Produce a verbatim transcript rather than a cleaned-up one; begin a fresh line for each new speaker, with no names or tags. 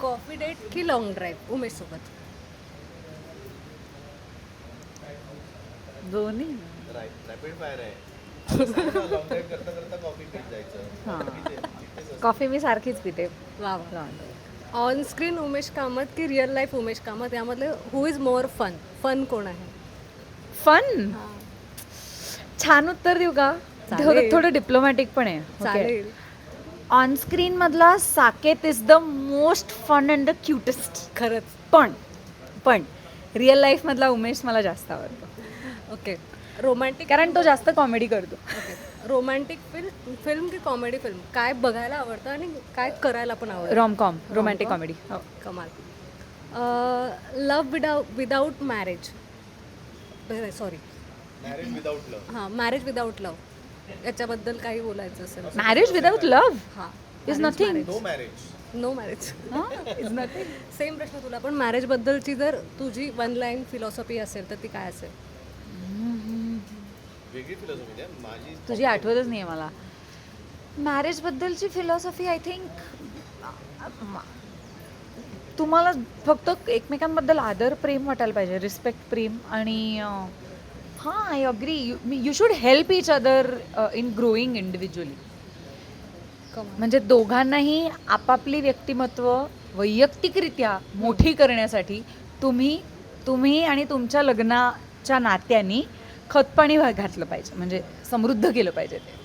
Coffee date की long drive Umesh सोबत?
दोन्ही.
रॅपिड फायर आहे. लॉंग ड्राईव्ह करता करता कॉफी पीत जायचं.
हां.
तिथे- तिथेच असतं.
कॉफी मी सारखीच पिते.
वा वा. ऑन स्क्रीन उमेश कामत की रिअल लाईफ उमेश कामत, यामधले who is more fun? Fun कोण आहे?
फन. छान उत्तर देऊ का?
चालेल.
थोडं थोडं डिप्लोमॅटिक पण आहे.
चालेल.
ऑन स्क्रीन मधला Saket is the most fun and the cutest.
खरंच.
पण पण रिअल लाईफ मधला उमेश मला जास्त आवडतो,
ओके. रोमॅन्टिक
कारण तो जास्त कॉमेडी करतो.
ओके. रोमॅन्टिक फिल्म फिल्म की कॉमेडी फिल्म, काय बघायला आवडतं आणि काय करायला पण आवडतं?
Romcom, romantic comedy.
कमाल. Love without without marriage, sorry
marriage without love.
हां, मॅरेज विदाऊट लव्ह, याच्याबद्दल काही बोलायचं असेल?
मॅरेज विदाउट लव्ह
हां.
Is nothing.
No marriage.
No marriage.
Is nothing.
Same प्रश्न तुला पण. मॅरेजबद्दलची जर तुझी वन लाईन फिलॉसॉफी असेल तर ती काय असेल?
वेगळी फिलॉसॉफी द्या माझी.
तुझी आठवतच नाही आहे मला. मॅरेजबद्दलची फिलॉसॉफी आय थिंक तुम्हाला फक्त एकमेकांबद्दल आदर प्रेम वाटायला पाहिजे, रिस्पेक्ट प्रेम. आणि हां, I agree, you should help each other in growing individually.
कमाल.
म्हणजे दोघांनाही आपापली व्यक्तिमत्व वैयक्तिकरित्या मोठी करण्यासाठी तुम्ही तुम्ही आणि तुमच्या लग्नाच्या नात्यांनी खतपाणी घातलं पाहिजे, म्हणजे समृद्ध केलं पाहिजे ते.